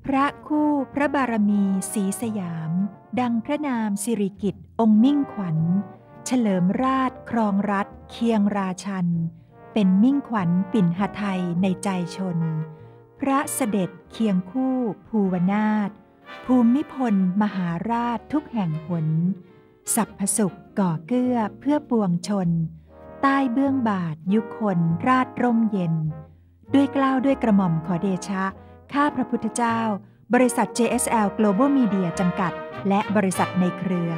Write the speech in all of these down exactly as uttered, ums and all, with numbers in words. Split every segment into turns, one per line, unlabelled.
ระคู่พระบารมีศรีสยามดังพระนามสิริกิติ์องค์มิ่งขวัญเฉลิมราชครองรัฐเคียงราชันเป็นมิ่งขวัญปิ่นหทัยในใจชนพระเสด็จเคียงคู่ภูวนาถภูมิพลมหาราชทุกแห่งหนสัพพสุขก่อเกื้อเพื่อปวงชนใต้เบื้องบาทยุคนราชร่มเย็นด้วยเกล้าด้วยกระหม่อมขอเดชะข้าพระพุทธเจ้าบริษัท เจ เอส แอล Global Media จำกัดและบริษัทในเครือ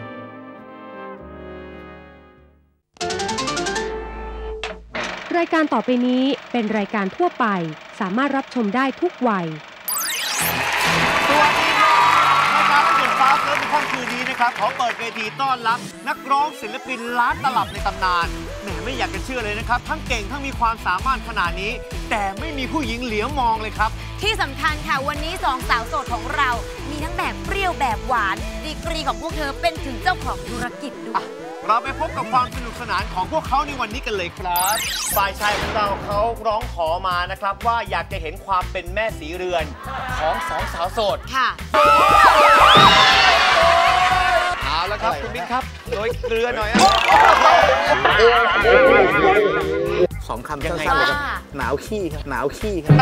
รายการต่อไปนี้เป็นรายการทั่วไปสามารถรับชมได้ทุกวัย
สวัสดีครับรายการรักเด็กฟ้าเลิฟในค่ำคืนนี้นะครับขอเปิดเวทีต้อนรับนักร้องศิลปินล้านตลับในตำนานแหมไม่อยากจะเชื่อเลยนะครับทั้งเก่งทั้งมีความสามารถขนาดนี้แต่ไม่มีผู้หญิงเหลียวมองเลยครับ
ที่สำคัญค่ะวันนี้สองสาวโสดของเรามีทั้งแบบเปรี้ยวแบบหวานดีกรีของพวกเธอเป็นถึงเจ้าของธุรกิจด้วย
เราไปพบกับความสนุกสนานของพวกเขาในวันนี้กันเลยครับฝ่ายชายของเราเขาร้องขอมานะครับว่าอยากจะเห็นความเป็นแม่สีเรือนของสองสาวโสด
ค่ะ
เอาละครับคุณบิ๊กครับโดยเกลือหน่อย
สองคำสั้นๆเลยครับหนาวขี้ครับหนาวขี้ครับ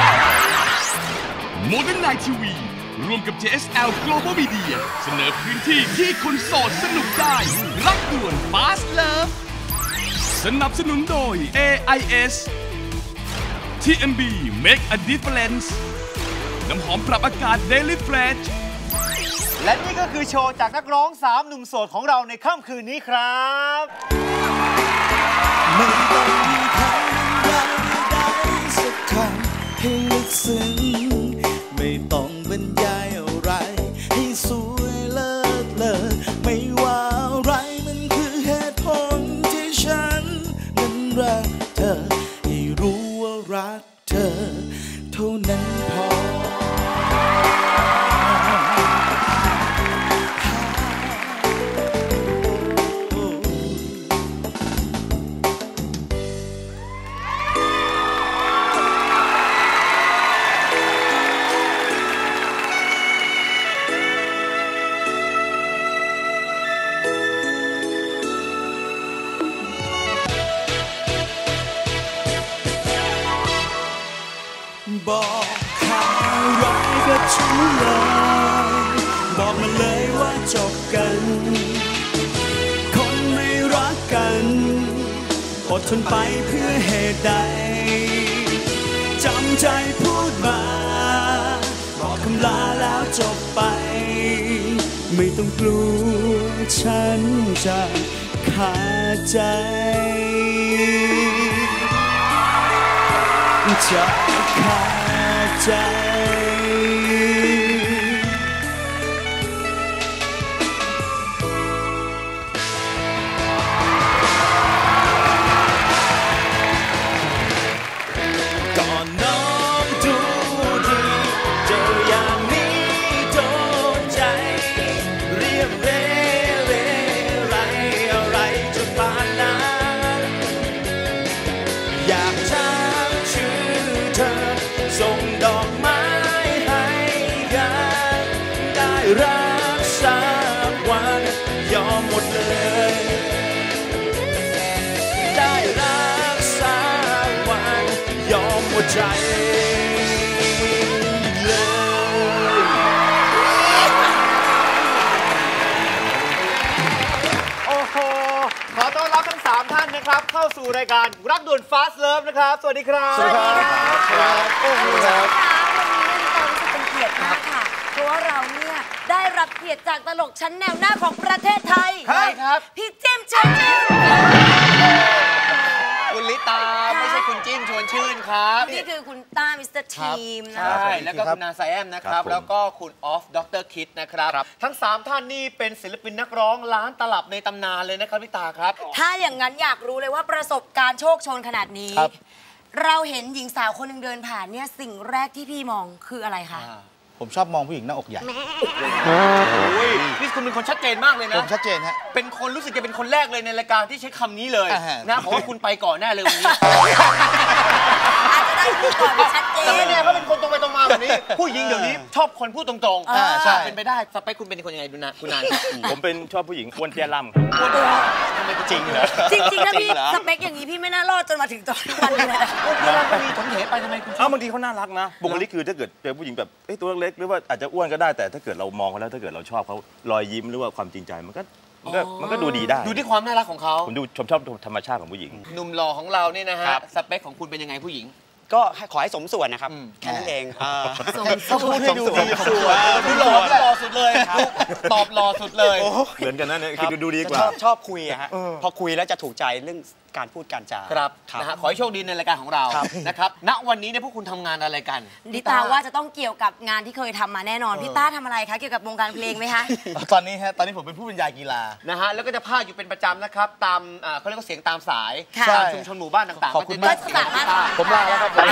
โมเดิร์นไนท์ทีวีร่วมกับ เจ เอส แอล Global Media เสนอพื้นที่ที่คนโสดสนุกได้รักด่วน Fast Love สนับสนุนโดย เอ ไอ เอส ที เอ็ม บี Make a Difference น้ำหอมปรับอากาศ Daily Fresh
และนี่ก็คือโชว์จากนักร้องสามหนุ่มโสดของเราในค่ำคืนนี้ครับ
ไม่ต้องมีคำบรรยายใดๆสักคำให้ลึกซึ้งไม่ต้องบรรยายอะไรให้สวยเลิศเลอไม่ว่าอะไรมันคือเหตุผลที่ฉันนั้นรักเธอให้รู้ว่ารักเธอเท่านั้นพอบอกข่าวร้ายกับฉันเลยบอกมาเลยว่าจบกันคนไม่รักกันอดทนไปเพื่อเหตุใดจำใจพูดมาบอกคำลาแล้วจบไปไม่ต้องกลัวฉันจะขาดใจจะขาดใจก่อนน้องดูดีเจออย่างนี้โดนใจเรียบเร่เร่ไรอะไรจะปานนั้นอยากจะส่งดอกไม้ให้กันได้รักสักวันยอมหมดเลยได้รักสักวันยอมหมดใจเลยโอ้โหขอต้อนรับทั้งสามท่านนะครับเข้าสู่รายการรักด่วน Fast Love นะครับสวัสดีครับ
สวัสดีค่ะโอ้โหวันนี้เรารู้สึกเป็นเกียรติมากค่ะเพราะว่าเราเนี่ยได้รับเกียรติจากตลกชั้นแนวหน้าของประเทศไทย
ใช่ครับ
พี่จิ้มชวนชื่น
คุณลิตาไม่ใช่คุณจิ้มชวนชื่นครับ
นี่คือคุณต้ามิสเตอร์ทีมนะ
ใช่แล้วก็คุณนาไซแอมนะครับแล้วก็คุณออฟดรคิดนะครับทั้งสามท่านนี่เป็นศิลปินนักร้องล้านตลับในตำนานเลยนะครับลิตาครับ
ถ้าอย่างนั้นอยากรู้เลยว่าประสบการณ์โชคโชนขนาดนี้เราเห็นหญิงสาวคนหนึ่งเดินผ่านเนี่ยสิ่งแรกที่พี่มองคืออะไรคะ
ผมชอบมองผู้หญิงหน้าอกใหญ่
นี่คุณเป็นคนชัดเจนมากเลยนะ
ผมชัดเจนฮะ
เป็นคนรู้สึกจะเป็นคนแรกเลยในรายการที่ใช้คำนี้เลยนะเพราะว่าคุณไปก่อนแน่เลยวันนี้
อาจจะได้พูดก่อนไม่ชัดเจน
แต่ไม่แน่เขาเป็นคนตรงไปตรงมาแบบนี้ ผู้หญิงเดี๋ยวนี้ชอบคนพูดตรงๆ
อ่าใช่
เป็นไปได้สเปคคุณเป็นคนยังไงดูนะคุณนาน
ผมเป็นชอบผู้หญิงอ้วนเตี้ยล่ำครับ
พูดตัวทำไมจริงเหรอ
จริงๆถ้าพี่สเปคอย่างนี้พี่ไม่น่ารอดจนมาถึงตอนนี้วันนี้เลยนะ
พูดตัวก็มีถมเถไปทำไมคุณ
เอ้าบางทีเขาน่ารักนะบุคลิกคือถ้าเกิดเจอผู้หญิงแบบเอ้ยตัวเล็กๆหรือว่าอาจจะอ้วนก็ได้แต่ถ้าเกิดเรามองเขาแล้วถ้าเกิดเราชอบเขารอยยิ้มหรือว่าความจริงใจมันก็มันก็มันก็ดูดีได้
ดูที่ความน่ารักของเขา
ผมดูชมชอบธรรมชาติของผู้หญิง
หนุ่มหล่อของเราเนี่ยนะฮะ
ครับ
สเปคของคุณเป็นยังไงผู้หญิง
ก็ให้ขอให้สมส่วนนะครับ
อืม
แค่นั้นเองอ่า
สม
เขาพูดให้ดูดี
สมส่วน
ดูหล่อดูหล่อสุดเลยตอบหล่อสุดเลย
เหมือนกันนะเนี่ย
ครั
คื
บ
อดูดีกว่า
ชอบชอบคุยอะฮะพอคุยแล้วจะถูกใจเรื่องการพูดการจา
ครับ
ครับ
นะฮะขอให้โชคดีในรายการของเรา
ครับ
นะครับณวันนี้เนี่ยพวกคุณทำงานอะไรกัน
ดิตาว่าจะต้องเกี่ยวกับงานที่เคยทำมาแน่นอนพี่ต้าทำอะไรคะเกี่ยวกับวงการเพลงไหมคะ
ตอนนี้ฮะตอนนี้ผมเป็นผู้บรรยายกีฬา
นะฮะแล้วก็จะพากอยู่เป็นประจำนะครับตามอ่าเขาเรียกว่าเสียงตามสาย
ค่ะ
ตามชุมชนหมู่บ้านต่างๆ
ขอบคุณ
ก็
มาก
จะ
ก็สามารถ
ผมลาแล้วครับผม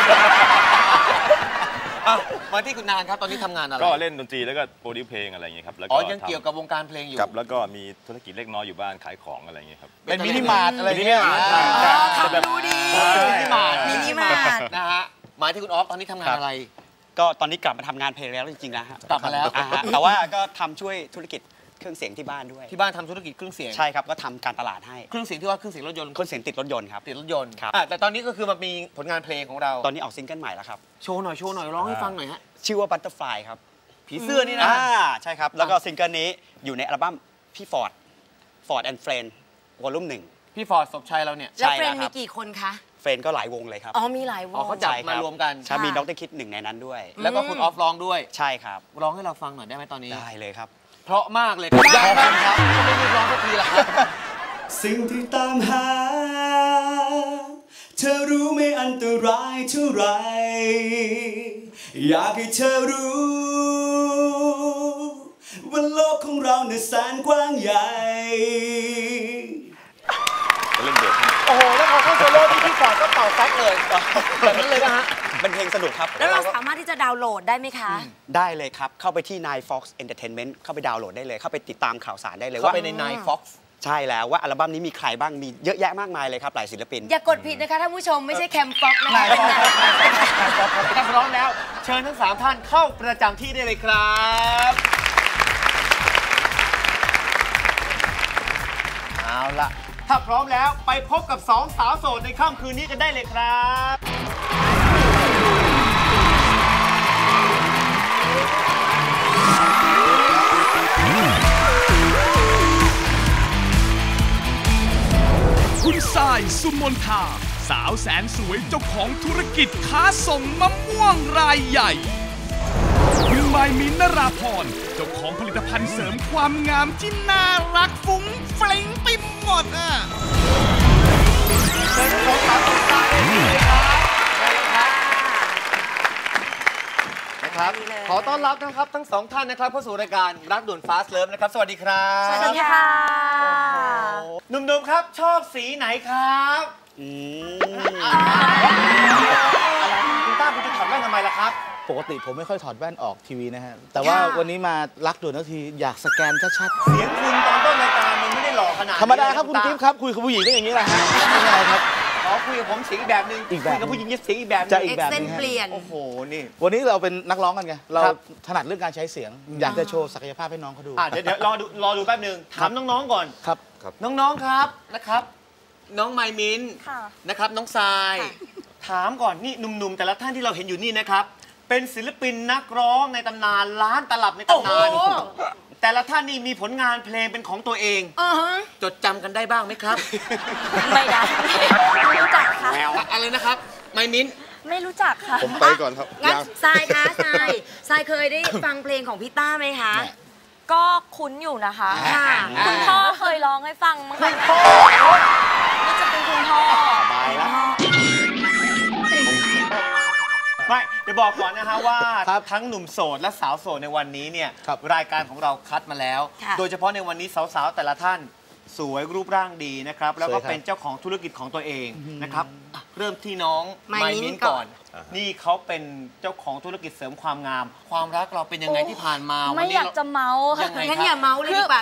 อ่ะมาที่คุณนานครับตอนนี้ทำงานอะไร
ก็เล่นดนตรีแล้วก็โปรดิวเพลงอะไรอย่างเงี้ยครับแล้ว
อ๋
ก็
อยังเกี่ยวกับวงการเพลงอยู่
กับแล้วก็มีธุรกิจเล็กน้อยอยู่บ้านขายของอะไรอย่างเงี้ยครับ
เป็นมินิมาร์ทอะไร
มินิ
เงี้ย
มาร์ท
อ่า
อ๋อทำดูดี
มินิมาร์ท
มินิมาร์ท
นะฮะหมายที่คุณออฟตอนนี้ทำงานอะไร
ก็ตอนนี้กลับมาทำงานเพลงแล้วจริงๆนะฮะ
กลับมาแล้ว
อ่ฮะแต่ว่าก็ทำช่วยธุรกิจเครื่องเสียงที่บ้านด้วย
ที่บ้านทำธุรกิจเครื่องเสียง
ใช่ครับก็ทำการตลาดให้
เครื่องเสียงที่ว่าเครื่องเสียงรถยนต์
เครื่องเสียงติดรถยนต์ครับ
ติดรถยนต์
ครับ
อ่ะแต่ตอนนี้ก็คือมามีผลงานเพลงของเรา
ตอนนี้ออกซิงเกิลใหม่แล้วครับ
โชว์หน่อยโชว์หน่อยร้องให้ฟังหน่อยฮะ
ชื่อว่า Butterfly ครับ
ผีเสื้อนี่นะ
อ่าใช่ครับ แล้วก็ซิงเกิลนี้อยู่ในอัลบั้มพี่ฟอร์ด Ford and Friend วอลลุ่มหนึ่ง
พี่ฟอร์ดศพชัยเราเนี่ย
แล้ว
ใช่
เฟร
แล้
น
วครั
มี
บ
กี่คนคะ
เฟรนก็หลายวงเลยครับ
อ๋อมีหลายว
อ๋อง เขาจับ
ใช่ค
มา
บ
รวมกัน
ใช่มี
ค่ะ
ดรคิดหนึ่งในนั้นด้วย
แล้วก็คุณออฟร้องด้วย
ใช่ครับ
ร้องให้เราฟังหน่อยได้ไหมตอนนี้
ได้เลยครับ
เพราะมากเลยครับยากมากครับไม่รีบร้องสักทีละครับ
สิ่งที่ตามหา เธอรู้ไม่อันตรายเท่าไหรอยากให้เธอรู้ว่าโลกของเราเนี่ยแสนกว้างใหญ่
เล่นเบส
โอ้โหแล้วพอเข้าโซโล่ที่พี่ฟอร์ดก็เป่าแซกเลยแบบนั้นเลยนะฮะ
เป็นเพลงสนุกครับ
แล้วเราสามารถที่จะดาวน์โหลดได้ไหมคะ
ได้เลยครับ เข้าไปที่ Nine Fox Entertainment เข้าไปดาวน์โหลดได้เลย เข้าไปติดตามข่าวสารได้เลย
เข้า
ว่า
ไปใน Nine Fox
ใช่แล้วว่าอัลบั้มนี้มีใครบ้าง มีเยอะแยะมากมายเลยครับ หลายศิลปิน
อย่ากดผิดนะคะท่านผู้ชมไม่ใช่แคมฟ็อกนะคะ
ถ้าพร้อมแล้ว เชิญทั้งสามท่านเข้าประจำที่ได้เลยครับเอาล่ะ ถ้าพร้อมแล้วไปพบกับสองสาวโสดในค่ำคืนนี้กันได้เลยครับ
คุณทรายสุมนทาสาวแสนสวยเจ้าของธุรกิจค้าส่งมะม่วงรายใหญ่คุณไมายมินนราพรเจ้าของผลิตภัณฑ์เสริมความงามที่น่ารักฟุ้งเฟลงไปหมดอ่ะ
เชิญทั้งสองสาวสาวเลยครับนะครับ ขอต้อนรับนะครับทั้งสองท่านนะครับเข้าสู่รายการรักด่วน Fast Love นะครับ สวัสดีครับ
สวัสดีค่ะ
หนุ่มๆครับชอบสีไหนครับ
อืม
อะไรคุณต้าคุณจะถอดแว่นทำไมล่ะครับ
ปกติผมไม่ค่อยถอดแว่นออกทีวีนะฮะ แต่ว่า
ค่ะ
วันนี้มารักด่วนทันทีอยากสแกนชัด
เสียงคุณตอนต้นรายการมันไม่ได้หล่อขนาด
ๆ
นี้
ธรรมดาครับคุณกิ๊ฟครับ คุยกับผู้หญิงก็อย่างนี้แหละฮะไม่เป็นไรครับ
อ๋อคุยกับผมเสียงอีกแบบหนึง
อีกแบบ
คุยกับผู้หญิงเสียงอีกแบบหนึ
จะ
ง
อีกแบบ
เส้น
นึงฮะ
เปลี่ยน
โอ้โหนี่
วันนี้เราเป็นนักร้องกันไง เรา
ครับ
ถนัดเรื่องการใช้เสียง อยากจะโชว์ศักยภาพให้น้องเขาดู
อ่ะเดี๋ยวเดี๋ยวรอดูรอดูแป๊บหนึงถามน้องๆก่อน
ครับ
น้องๆครับนะครับ น้องไมมิน
ค่ะ
นะครับ น้องทราย ถามก่อนนี่หนุ่มๆแต่ละท่านที่เราเห็นอยู่นี่นะครับ เป็นศิลปินนักร้องในตำนานล้านตลับในตำนาน
โอ้โห
แต่ละท่านนี่มีผลงานเพลงเป็นของตัวเอง
อือฮะ
จดจำกันได้บ้างไหมครับ
ไม่ได้ไม่รู้จักค่ะ
อะอะไรนะครับไมมิน
ไม่รู้จักค่ะ
ผมไปก่อนครับ
งั้น
ยัง
ทรายคะทรายทรายเคยได้ฟังเพลงของพี่ต้าไหมคะ
ก็คุ้นอยู่นะคะ
ค่ะ
คุณพ่อเคยร้องให้ฟังมั้งคะน่าจะเป็นคุณพ่อ
บายแล้ว
ไม่เดี๋ยวบอกก่อนนะฮะว่า
ครับ
ทั้งหนุ่มโสดและสาวโสดในวันนี้เนี่ย
ครับ
รายการของเราคัดมาแล้ว
ค่ะ
โดยเฉพาะในวันนี้สาวๆแต่ละท่านสวยรูปร่างดีนะครับแล้วก็เป็นเจ้าของธุรกิจของตัวเองนะครับเริ่มที่น้องไมมิ้นก่อนนี่เขาเป็นเจ้าของธุรกิจเสริมความงาม ความรักเราเป็นยังไงที่ผ่านมา
ไม่อยากจะเมาค่ะ
งั้นอย่าเมาเลยดีกว่า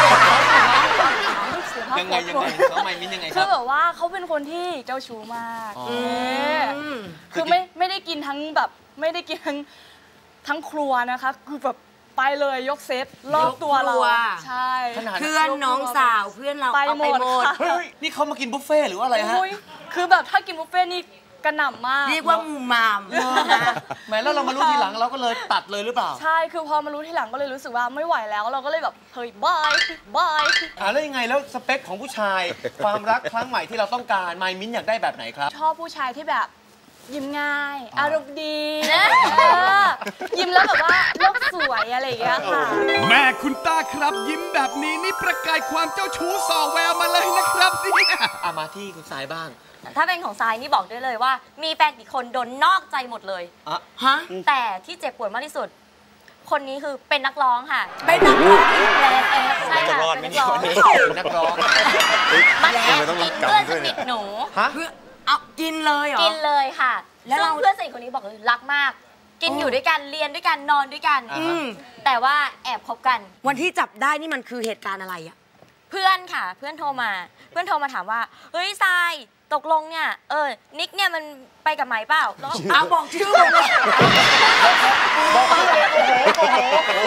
ยังไงยังไงน้องไมมิ้นยังไงครับ
คือแบบว่าเขาเป็นคนที่เจ้าชู้มากคือไม่ไม่ได้กินทั้งแบบไม่ได้กินทั้งทั้งครัวนะคะคือแบบไปเลยยกเซตรอบตัวเราใช่
เพื่อนน้องสาวเพื่อนเรา
ไปหมด
เฮ้ยนี่เขามากินบุฟเฟ่หรือว่าอะไรฮะ
คือแบบถ้ากินบุฟเฟ่นี่กระหน่ำมาก
เรียกว่ามูมาม
แหมแล้วเรามารู้ทีหลังเราก็เลยตัดเลยหรือเปล่า
ใช่คือพอมารู้ทีหลังก็เลยรู้สึกว่าไม่ไหวแล้วเราก็เลยแบบเฮ้ยบายบาย
อ่าแล้วยังไงแล้วสเปคของผู้ชายความรักครั้งใหม่ที่เราต้องการไมมิ้นอยากได้แบบไหนครับ
ชอบผู้ชายที่แบบยิ้มง่ายอารมณ์ดียิ้มแล้วแบบว่าโลกสวยอะไรอย่างเงี้ยค่ะ
แม่คุณต้าครับยิ้มแบบนี้นี่ประกายความเจ้าชู้ส่อแววมาเลยนะครับเนี่ย
อามาที่คุณสายบ้าง
ถ้าเป็นของทรายนี่บอกได้เลยว่ามีแฟนกี่คนโดนนอกใจหมดเลย
อะฮะ
แต่ที่เจ็บปวดมากที่สุดคนนี้คือเป็นนักร้องค่ะ
เป็นนักร้อง
แรงเองใช่ค่ะเป็นนักร้อง
เป็นนักร้อง
มันแอบกินเพื่อนสนิทหนู
เพื่อเอากินเลยเหรอ
กินเลยค่ะแล้วเพื่อนสนิทคนนี้บอกเลยรักมากกินอยู่ด้วยกันเรียนด้วยกันนอนด้วยกันแต่ว่าแอบคบกัน
วันที่จับได้นี่มันคือเหตุการณ์อะไรอะ
เพื่อนค่ะเพื่อนโทรมาเพื่อนโทรมาถามว่าเฮ้ยทรายตกลงเนี่ยเออนิกเนี่ยมันไปกับไหมเปล่า
เอาบอกชื่อเลย
บอกชื่อเลยโอ้โห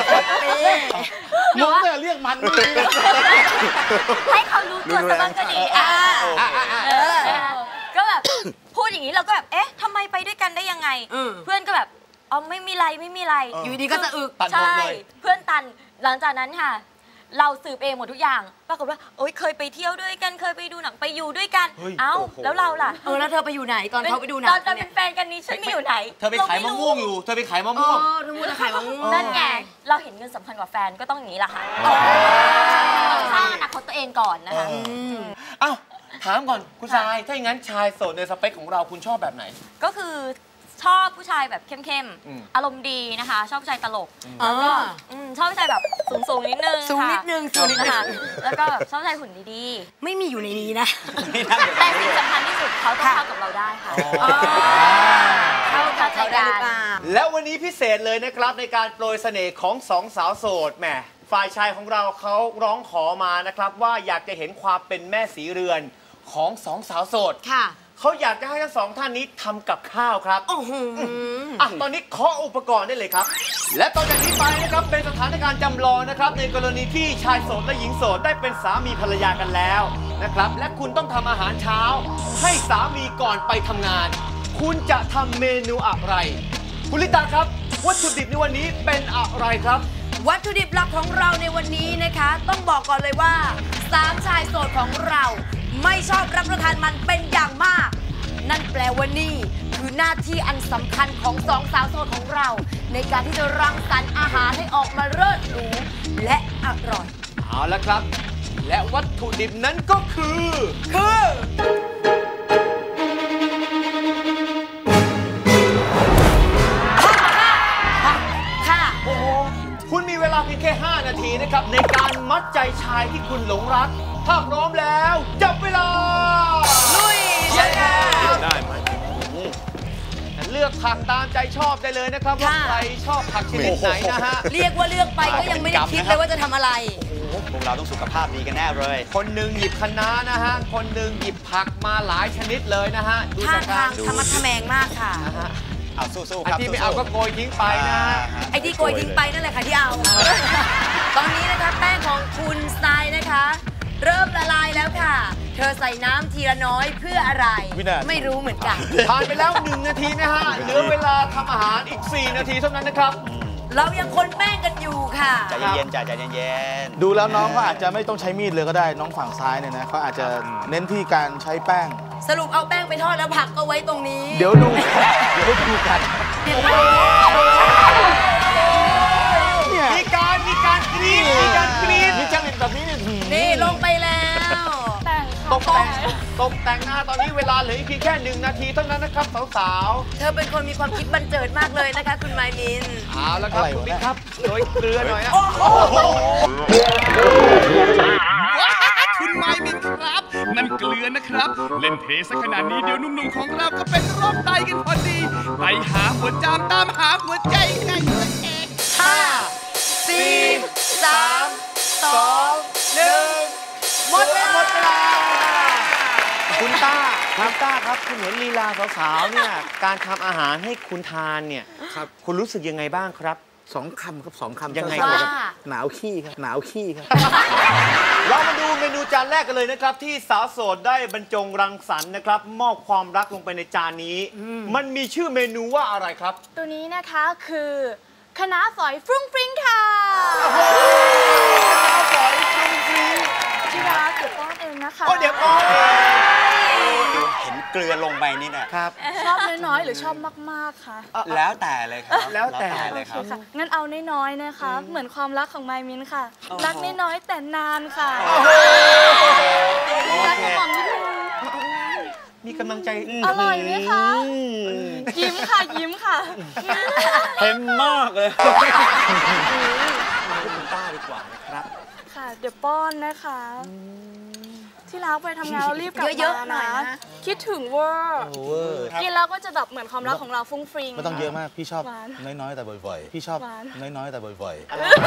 น้องเนี่ยเรียกมัน
ให้เขารู้ตัวซะบ้างก็ดีอ่าก็แบบพูดอย่างนี้เราก็แบบเอ๊ะทำไมไปด้วยกันได้ยังไงเพื่อนก็แบบอ๋อไม่มีไรไม่มีไร
อยู่ดีก็จะอึก
ใช่เพื่อนตันหลังจากนั้นค่ะเราสืบเองหมดทุกอย่างปรากฏว่าโอ๊ยเคยไปเที่ยวด้วยกันเคยไปดูหนังไปอยู่ด้วยกันเอ้าแล้วเราล่ะ
เออแล้วเธอไปอยู่ไหนตอนเขาไปดูหนัง
ตอนเราเป็นแฟนกันนี้ฉันไม่อยู่ไหน
เธอไปขายมะม่วงอยู่เธอไปขายมะม่วง
เออเธอมูจะขายมะม่วง
นั่นไงเราเห็นเงินสำคัญกว่าแฟนก็ต้องอย่างนี้แหละค่ะต้องสร้างอนาคตตัวเองก่อนนะคะ
อ้าวถามก่อนคุณชายถ้าอย่างนั้นชายโสดในสเปคของเราคุณชอบแบบไหน
ก็คือชอบผู้ชายแบบเข้มๆอารมณ์ดีนะคะชอบผู้ชายตลกแล้วก็ชอบผู้ชายแบบสูงๆนิดนึง
สูงนิดนึงสูงนิดนึง
แล้วก็ชอบผู้ชายหุ่นดี
ๆไม่มีอยู่ในนี้นะ
แต่สิ่งสำคัญที่สุดเขาต้องเข้ากับเราได้ค่ะเข้ากับเขาได้
แล้ววันนี้พิเศษเลยนะครับในการโปรยเสน่ห์ของสองสาวโสดแหมฝ่ายชายของเราเขาร้องขอมานะครับว่าอยากจะเห็นความเป็นแม่สีเรือนของสองสาวโสด
ค่ะ
เขาอยากจะให้ทั้งสองท่านนี้ทำกับข้าวครับ
โอ้โห
อ่ะตอนนี้เคาะอุปกรณ์ได้เลยครับและต่อจากนี้ไปนะครับเป็นสถานการณ์จำลองนะครับในกรณีที่ชายโสดและหญิงโสดได้เป็นสามีภรรยากันแล้วนะครับและคุณต้องทำอาหารเช้าให้สามีก่อนไปทำงานคุณจะทำเมนูอะไรคุณลิตาครับวัตถุดิบในวันนี้เป็นอะไรครับ
วัตถุดิบหลักของเราในวันนี้นะคะต้องบอกก่อนเลยว่าสามชายโสดของเราไม่ชอบรับประทานมันเป็นอย่างมากนั่นแปลว่านี่คือหน้าที่อันสำคัญของสองสาวโสดของเราในการที่จะรังสรรค์อาหารให้ออกมาเลิศหรูและอร่อย
เอาละครับและวัตถุดิบนั้นก็คือ
คือค่ะ
โอ้โหคุณมีเวลาเพียงแค่ห้านาทีนะครับในการมัดใจชายที่คุณหลงรักถ้าพร้อมแล้วจับเวลา
ลุยใช่ค่ะ
ได้ไหมเลือกผักตามใจชอบได้เลยนะครับว่าใครชอบผักชนิดไหนนะฮะ
เรียกว่าเลือกไปก็ยังไม่ได้คิดเลยว่าจะทำอะไร
โอ้โหพวกเราต้องสุขภาพดีกันแน่เลย
คนหนึ่งหยิบคะน้านะฮะคนหนึ่งหยิบผักมาหลายชนิดเลยนะฮะ
ดูท่าทางธรรมะทแมงมากค่ะ
เอาสู้ๆครับ
ที่ไม่เอาก็โกยทิ้งไปนะฮะ
ไอ้ที่โกยทิ้งไปนั่นแหละค่ะที่เอาตอนนี้นะคะแป้งของคุณทรายนะคะเริ่มละลายแล้วค่ะเธอใส่น้ำทีละน้อยเพื่ออะไรไม่รู้เหมือนกัน
ผ่านไปแล้วหนึ่งนาทีนะฮะเหลือเวลาทำอาหารอีกสี่นาทีเท่านั้นนะครับ
เรายังคนแป้งกันอยู่ค่ะ
ใจเย็นๆใจเย็น
ๆดูแล้วน้องเขาอาจจะไม่ต้องใช้มีดเลยก็ได้น้องฝั่งซ้ายเนี่ยนะเขาอาจจะเน้นที่การใช้แป้ง
สรุปเอาแป้งไปทอดแล้วผักก็ไว้ตรงนี้
เดี๋ยวดูเดี๋ยวดูกัน
มีการมีการกรีดมีการกรีดมีจังหวะแบบนี้
นี่ลงไปแล้ว
ตกแต่งตกแต่งหน้าตอนนี้เวลาเหลืออีกเพียงแค่หนึ่งนาทีเท่านั้นนะครับสาว
ๆเธอเป็นคนมีความคิดบันเจิดมากเลยนะคะคุณไมมิน
เอาแล้วครับคุณบิ๊กครับโดยเกลือหน่อยนะ
คุณนั่นเกลือนะครับ เล่นเทสักขนาดนี้เดี๋ยวหนุ่มๆของเราก็เป็นโรคไตกันพอดีไปหาหัวจามตามหาหัวใจกันเอง
ห้า สี่ สาม สอง หนึ่ง หมดเวลา
หมดเวลาคุณต้าคุณต้าครับคุณเห็นลีลาสาวๆเนี่ยการทำอาหารให้คุณทานเนี่ยครับคุณรู้สึกยังไงบ้างครับ
สองคำครับสองคำ
ยังไง
สั้นๆ
ครับ
หนาวขี้ครับหนาวขี้ครับ
เรามาดูเมนูจานแรกกันเลยนะครับที่สาวโสดได้บรรจงรังสรรค์นะครับมอบความรักลงไปในจานนี้ มันมีชื่อเมนูว่าอะไรครับ
ตัวนี้นะคะคือคะน้าฝอยฟรุ้งฟริ้งค่ะ
ฝอยฟรุ้งฟริ้ง
ที่ร้านเดี๋ยวป้อนเองนะคะ
โอ้เดี๋ยวป้อน
เห็นเกลือลงไปนี่เนี่ย
ครับ
ชอบน้อยๆหรือชอบมากๆคะ
แล้วแต่เลยครับ
แล้วแต่
เลยครับ
โอเคค่ะงั้นเอาน้อยๆนะคะ เหมือนความรักของไมมินค่ะ รักน้อยๆแต่นานค่ะรักในความนิดนึง
มีกำลังใจ
อร่อยไหมคะ ยิ้มค่ะยิ้มค่ะ
เค็มมากเลย
คุณต้าดีกว่านะครับ
ค่ะ เดี๋ยวป้อนนะคะ ที่รักไปทำงานเรารีบกลับ
เยอะ
มา
ๆหน่อย
นะ
นะ
คิดถึงเวอร์
โอเวอร์
กินแล้วก็จะแบบเหมือนความรักของเราฟุ้งฟริ้ง
ไม่ต้องเยอะมากพี่ชอบ
หวาน
น้อยๆแต่บ่อยๆพี่ชอบ
หวาน
น้อยๆแต่บ่อย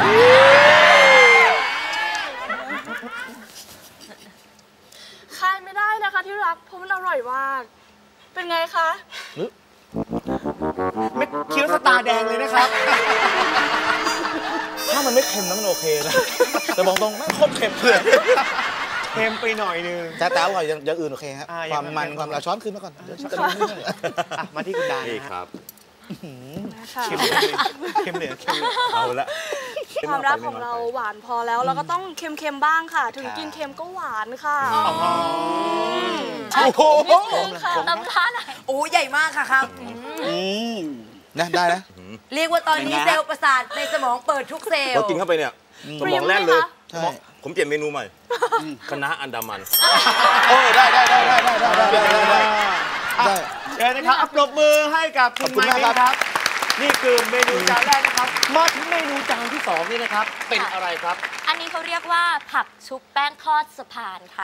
คายไม่ได้นะคะที่รักเพราะมันอร่อยมาก เป็นไงคะ
ไม่เคี้ยวสตาร์แดงเลยนะครับ
ๆถ้ามันไม่เค็มนะมันโอเคนะแต่บอกตรงไม่โคตรเค็มเลย
เค็มไปหน่อยนึง
แต่แต่อร่อยอย่างอย่างอื่นโอเคครับ
อ่า
ความมัน
อย่าง
ความเราช้อนขึ้นมาก่อนเดี๋ยวช้อนขึ้นมา
อ่ะมาที่คุณดา
นี่
นะ
ค
ฮะ
รับ
ค่ะ
เค็มเหลือเค็มเหลือเค็มเหลือ
เอาละ
ความรักของเราหวานพอแล้วเราก็ต้องเค็มๆบ้างค่ะ ถึงกินเค็มก็หวานค่ะ
โอ้โห
น้ำท่าไหน
โอ้ใหญ่มากค่ะครับ
นะได้นะ
เรียกว่าตอนนี้เซลล์ประสาทในสมองเปิดทุกเซลล์
พอกินเข้าไปเนี่ยสมองแล่นเลย
ใช่
ผมเปลี่ยนเมนูใหม่คณะอันดามัน
โอ้ได้ได้ได้ได้ได้ได้ได้ได้ได้
เดี๋ยวนะครับอัปรบมือให้กับคุณ
ขอบคุณ
ไม
มาก
ค์
ครับ
ครับ นี่คือเมนูจานแรกนะครับ มาถึงเมนูจานที่สองนี่นะครับ เป็นอะไรครับ
อันนี้เขาเรียกว่าผักชุบแป้งทอดสะพานค่ะ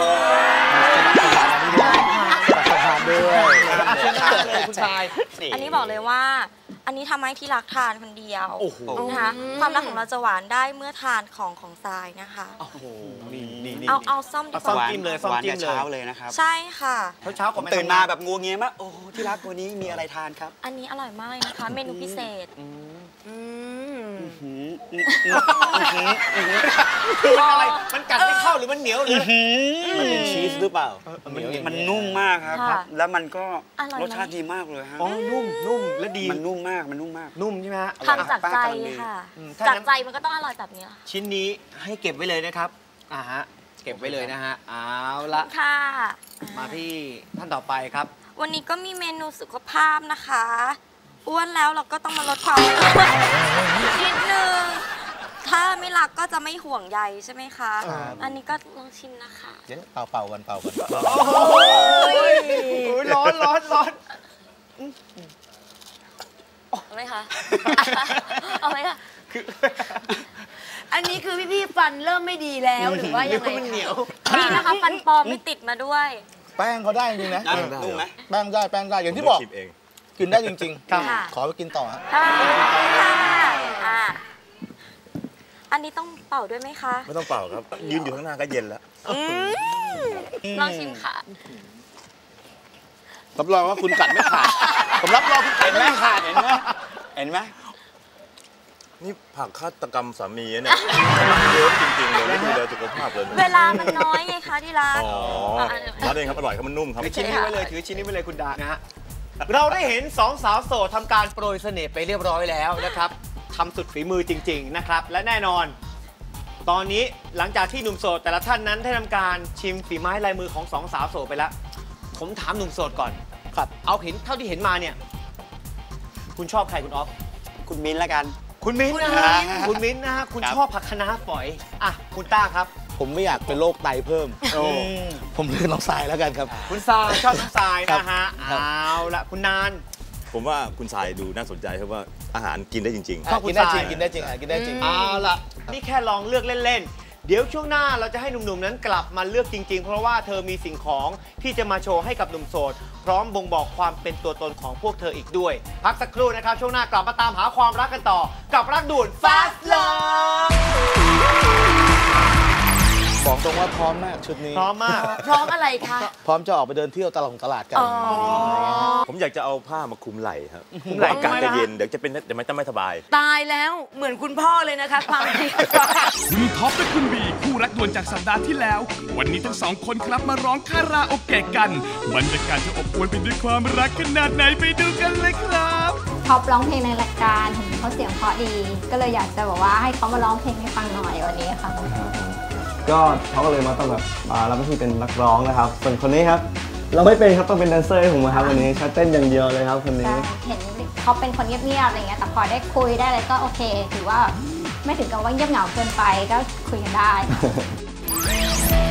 สะพานด้วย
อาเชิญทานเลยคุณชาย
อันนี้บอกเลยว่า อันนี้ทำให้ที่รักทานคนเดียว
โอ้โห
นะคะความรักของเราจะหวานได้เมื่อทานของของทรายนะคะ
โอ้โหนี่นี่นี่
เอาเอาซ่อมดี
เอา
ก
ซ่อม
ว่า
จิ้มเลยซ่อมจิ้มเลย
เช้าเลยนะครับ
ใช่ค่ะ
เช้าเช้าๆก่อนไป
ตื่นมาแบบงัวเงียมากโอ้ที่รักวันนี้มีอะไรทานครับ
อันนี้อร่อยมากเลยนะคะ เมนูพิเศษ
คือมันอะไร มันกัดไม่เข้าหรือมันเหนียวหรือ
มันเป็นชีสหรือเปล่า
มันเหนียว
มันนุ่มมากครับ
ค่ะ
แล้วมันก็
อร่อยไหม
รสชาติดีมากเลยฮะ
อ๋อ นุ่ม นุ่ม และดี
มันนุ่มมาก มันนุ่มมาก
นุ่มใช่ไหมฮะ
ทำจากใจค่ะ
อืมถ้า
จาก
งั้น
ใจมันก็ต้องอร่อยแบบนี้ค่ะ
ชิ้นนี้ให้เก็บไว้เลยนะครับ อ่าฮะ เก็บไว้เลยนะฮะ เอาละ
ค่ะ
มาที่ท่านต่อไปครับ
วันนี้ก็มีเมนูสุขภาพนะคะ อ้วนแล้วเราก็ต้องมาลดความอ้วนนิดนึง ถ้าไม่รักก็จะไม่ห่วงใยใช่ไหมคะ อันนี้ก็ลองชิมนะคะ
เดี๋ยวเป่าเป่ากันเป่ากัน
โอ้ยร้อนร้อนร้อน
เอาไหมคะ เอาไหมคะ
อันนี้คือพี่ๆฟันเริ่มไม่ดีแล้วหรือว่ายังไง
มันเหนียว
นี่นะคะฟันปลอมไม่ติดมาด้วย
แป้งเขาได้จริงๆนะ
นุ่มไหม
แป้งได้แป้งได้อย่างที่บอก
ผมชิมเอง
กินได้จริง
ค่ะ
ๆ ขอไปกินต่อฮะ
ค่ะอ่าอันนี้ต้องเป่าด้วยไหมคะ
ไม่ต้องเป่าครับ ยืนอยู่ข้างหน้าก็เย็นแล้ว
ลองชิมค่ะ
รับรองว่าคุณกัดไม่ขาด ผมรับรองคุณกัดไม่ขาด
เห็นไหมเห็นไหม
นี่ผักฆาตกรรมสามีอะเนี่ยเยอะจริงๆเลยไม่ดูแลสุขภาพเลย
เวลามันน้อยไงคะที่ร้าน
อ๋อร้านเองครับอร่อยครับมันนุ่มครับ
ถือชิ้นนี้ไว้เลยถือชิ้นนี้ไว้เลยคุณดานะฮะ เราได้เห็นสองสาวโสดทำการโปรยเสน่ห์ไปเรียบร้อยแล้วนะครับทำสุดฝีมือจริง ๆนะครับ และแน่นอน ตอนนี้หลังจากที่หนุ่มโสดแต่ละท่านนั้นได้ทำการชิมฝีไม้ลายมือของสองสาวโสดไปแล้ว ผมถามหนุ่มโสดก่อนครับ เอาเห็นเท่าที่เห็นมาเนี่ย คุณชอบใครคุณออฟ
คุณมิ้นละกัน
คุณมิ้นท์นะฮะคุณมิ้นท์นะฮะคุณ
ครับ
ชอบผักคะน้าฝอยอ่ะคุณต้าครับ
ผมไม่อยากเป็นโรคไตเพิ่ม
โอ้
ผมเลือกน้องทรายแล้วกันครับ
คุณทรายชอบน้องทราย
ครับ
นะฮะ
ครับ
เอาละคุณนาน
ผมว่าคุณทรายดูน่าสนใจเพราะว่าอาหารกินได้จริง
ชอบคุณ
กินได้
ท
จ
รา
ริ
ย
งกินได้จริงอ่ะกินได้จริง
เอาละนี่แค่ลองเลือกเล่นเดี๋ยวช่วงหน้าเราจะให้หนุ่มๆนั้นกลับมาเลือกจริงๆเพราะว่าเธอมีสิ่งของที่จะมาโชว์ให้กับหนุ่มโสดพร้อมบ่งบอกความเป็นตัวตนของพวกเธออีกด้วยพักสักครู่นะครับช่วงหน้ากลับมาตามหาความรักกันต่อกับรักด่วน Fast Love
บอกตรงว่าพร้อมมากชุดนี้
พร้อมมาก
พร้อมอะไรคะ
พร้อมจะออกไปเดินเที่ยวตลาดตลาดกัน
ผมอยากจะเอาผ้ามาคลุมไหล่ครับคลุมไหล่อากาศจะเย็นเดี๋ยวจะเป็นเดี๋ยวมันจะไม่สบาย
ตายแล้วเหมือนคุณพ่อเลยนะคะความจริง
คุณท็อปและคุณบีคู่รักด่วนจากสัปดาห์ที่แล้ว วันนี้ทั้งสองคนครับมาร้องคาราโอเกะกันบรรยากาศจะอบอวลไปด้วยความรักขนาดไหนไปดูกันเลยครับ
ท็อปร้องเพลงในรายการเห็นเขาเสียงเพราะดี ก็เลยอยากจะบอกว่าให้เขามาร้องเพลงให้ฟังหน่อยวันนี้ค่ะ
ก็เขาก็เลยมาต้องแบบมารับหน้าที่เป็นนักร้องนะครับส่วนคนนี้ครับเราไม่เป็นครับต้องเป็นแดนเซอร์ให้ผมครับวันนี้ชัดเต้นอย่างเดียวเลยครับคนนี้
เห็นเขาเป็นคนเงียบๆอะไรเงี้ยแต่พอได้คุยได้อะไรก็โอเคถือว่าไม่ถึงกับว่าเงียบเหงาเกินไปก็คุยกันได้